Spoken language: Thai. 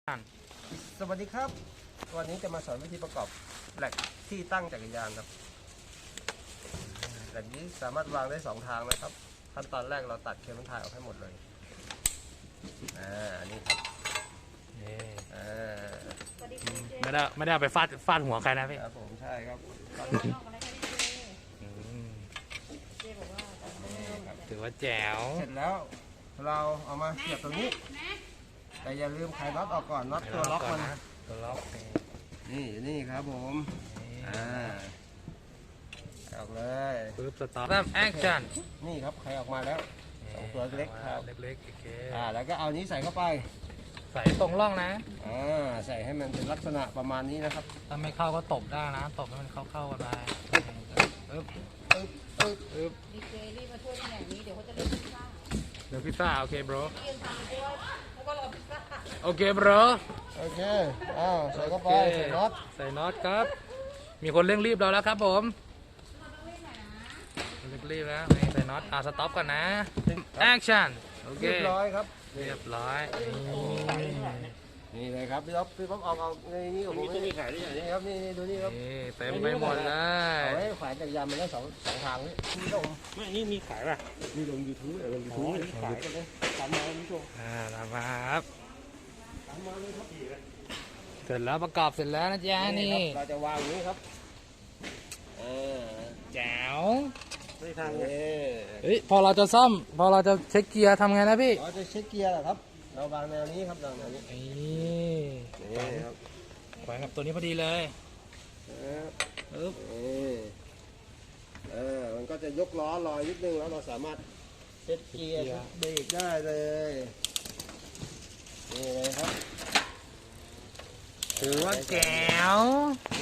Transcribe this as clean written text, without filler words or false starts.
สวัสดีครับวันนี้จะมาสอนวิธีประกอบแหลกที่ตั้งจักรยานครับแหลกนี้สามารถวางได้2ทางนะครับขั้นตอนแรกเราตัดเคเบิลไทยออกให้หมดเลยอันนี้ครับไม่ได้เอาไปฟาดหัวใครนะพี่ครับผมใช่ครับถือว่าแจ๋วเสร็จแล้วเราเอามาเสียบตรงนี้แต่อย่าลืมไขน็อตออกก่อนน็อตตัวล็อกมันตัวล็อกนี่ครับผมออกเลยปึ๊บสตาร์ทเริ่มแอคชั่นนี่ครับไขออกมาแล้วตัวเล็กครับเล็กๆโอเคแล้วก็เอานี้ใส่เข้าไปใส่ตรงร่องนะใส่ให้มันเป็นลักษณะประมาณนี้นะครับถ้าไม่เข้าก็ตบได้นะตบให้มันเข้ากันไปดีเจรีบมาช่วยที่ไหนนี้เดี๋ยวเขาจะเล่นพิซซ่าเดี๋ยวพิซซ่าโอเคบรแล้วก็รอพิซซ่าโอเคบรโอเคใส่เข้าไปใส่น็อตครับมีคนเร่งรีบเราแล้วครับผมเร่งรีบแล้วใส่น็อตสต็อปก่อนนะแอคชั่นโอเคเรียบร้อยครับเรียบร้อยนี่เลยครับพี่ป๊อปออกในนี้ของผมมีขายด้วยนี่ครับนี่ดูนี่ครับเต็มไปหมดเลยเอาไว้ขายจักรยานมันได้สองทางนี่มีลงไม่นี่มีขายป่ะมีลง YouTube ลง YouTube ขายกันเลยตามมาเลยผู้ชมตามมาครับเสร็จแล้วประกอบเสร็จแล้วนะจ๊ะนี่เราจะวางนี้ครับแจ๋วไม่ทางพอเราจะซ่อมพอเราจะเช็คเกียร์ทำไงนะพี่เราจะเช็คเกียร์เหรอครับเราวางแนวนี้ครับวางแนวนี้นี่ครับแขวนกับตัวนี้พอดีเลยมันก็จะยกล้อลอยนิดนึงแล้วเราสามารถเช็คเกียร์เบรกได้เลยนี่เลยครับถือว่าแจ๋ว